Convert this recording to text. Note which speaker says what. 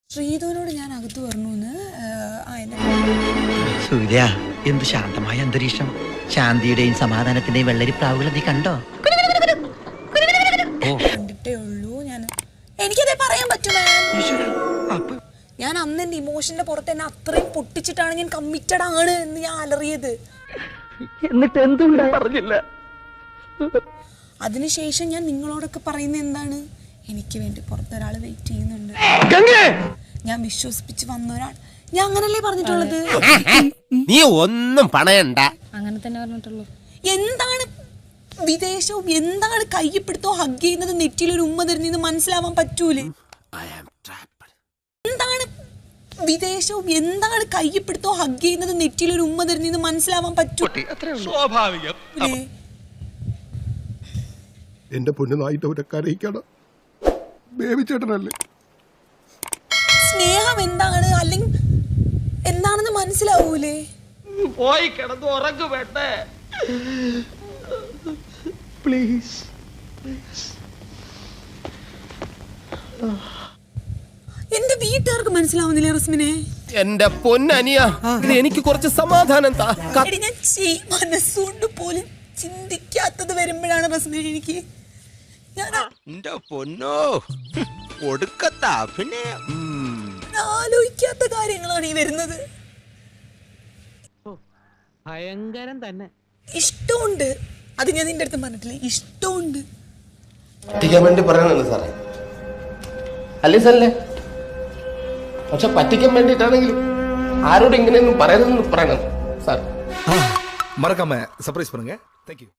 Speaker 1: ശ്രീധുവിനോട് ഞാൻ അകത്ത് പറഞ്ഞു
Speaker 2: സൂര്യ എന്ത് ശാന്തമായ അന്തരീക്ഷം. ശാന്തിയുടെയും സമാധാനത്തിന്റെയും വെള്ളരിപ്രാവുകൾ നീ കണ്ടോ?
Speaker 1: കണ്ടിട്ടേ ഉള്ളൂ. എനിക്കതേ പറയാൻ പറ്റുമോ? ഞാൻ അന്ന് എന്റെ ഇമോഷന്റെ പുറത്ത് എന്നെ അത്രയും പൊട്ടിച്ചിട്ടാണ് ഞാൻ കമ്മിറ്റഡ് ആണ് എന്ന് ഞാൻ അലറിയത്.
Speaker 2: എന്നിട്ട് എന്തുകൊണ്ട് പറഞ്ഞില്ല?
Speaker 1: അതിനുശേഷം ഞാൻ നിങ്ങളോടൊക്കെ പറയുന്ന എന്താണ്, എനിക്ക് വേണ്ടി പുറത്തൊരാൾ വെയിറ്റ് ചെയ്യുന്നുണ്ട്, ഞാൻ വിശ്വസിപ്പിച്ച് വന്ന ഒരാൾ. ഞാൻ അങ്ങനല്ലേ പറഞ്ഞിട്ടുള്ളത്?
Speaker 3: നീ ഒന്നും പണയണ്ട.
Speaker 4: അങ്ങനെ തന്നെ പറഞ്ഞിട്ടുള്ളൂ.
Speaker 1: എന്താണ് വിദേശവും, എന്താണ് കയ്യപ്പെടുത്തോ ഹഗ് ചെയ്യുന്നത്, നെറ്റിയിലൊരു ഉമ്മ തരുന്നത് മനസ്സിലാവാൻ പറ്റൂലേ? എന്താണ് വിദേശവും, എന്താണ് കയ്യപ്പെടുത്തോ ഹഗ് ചെയ്യുന്നത്, നെറ്റിയിലൊരു ഉമ്മ തരുന്നത് മനസ്സിലാവാൻ പറ്റൂ?
Speaker 3: സ്വാഭാവികം.
Speaker 5: എന്റെ പൊന്നു നായിട്ടവരൊക്കെ അറിയിക്കണം. ബേബിച്ചേട്ടനല്ലേ
Speaker 1: സ്നേഹം എന്താണ് അല്ലെങ്കിൽ എന്താണെന്ന് മനസ്സിലാവൂലേ?
Speaker 3: പോയി കിടന്ന് ഉറങ്ങു വേണ്ടേ? പ്ലീസ്.
Speaker 1: വീട്ടുകാർക്ക് മനസ്സിലാവുന്നില്ലേ റസ്മിനെ?
Speaker 3: എന്റെ പൊന്നനിയ, എനിക്ക് കുറച്ച് സമാധാനം താ.
Speaker 1: ഞാൻ മനസ്സുകൊണ്ട് പോലും ചിന്തിക്കാത്തത് വരുമ്പോഴാണ് റസ്മിനെ എനിക്ക് ആലോചിക്കാത്ത കാര്യങ്ങളാണ് ഈ വരുന്നത്.
Speaker 6: ഭയങ്കരം തന്നെ.
Speaker 1: ഇഷ്ടമുണ്ട്, അത് ഞാൻ നിന്റെ അടുത്ത് പറഞ്ഞിട്ടില്ലേ, ഇഷ്ടമുണ്ട്.
Speaker 7: പറ്റിക്കാൻ വേണ്ടി പറയണല്ലോ സാറേ, അല്ലേ സാറല്ലേ? പക്ഷെ പറ്റിക്കാൻ വേണ്ടിയിട്ടാണെങ്കിലും ആരോട് ഇങ്ങനെയൊന്നും പറയുന്നതെന്ന് പറയണം സാർ.
Speaker 8: மறக்காம சர்ப்ரைஸ் பண்ணுங்க. தேங்க்யூ.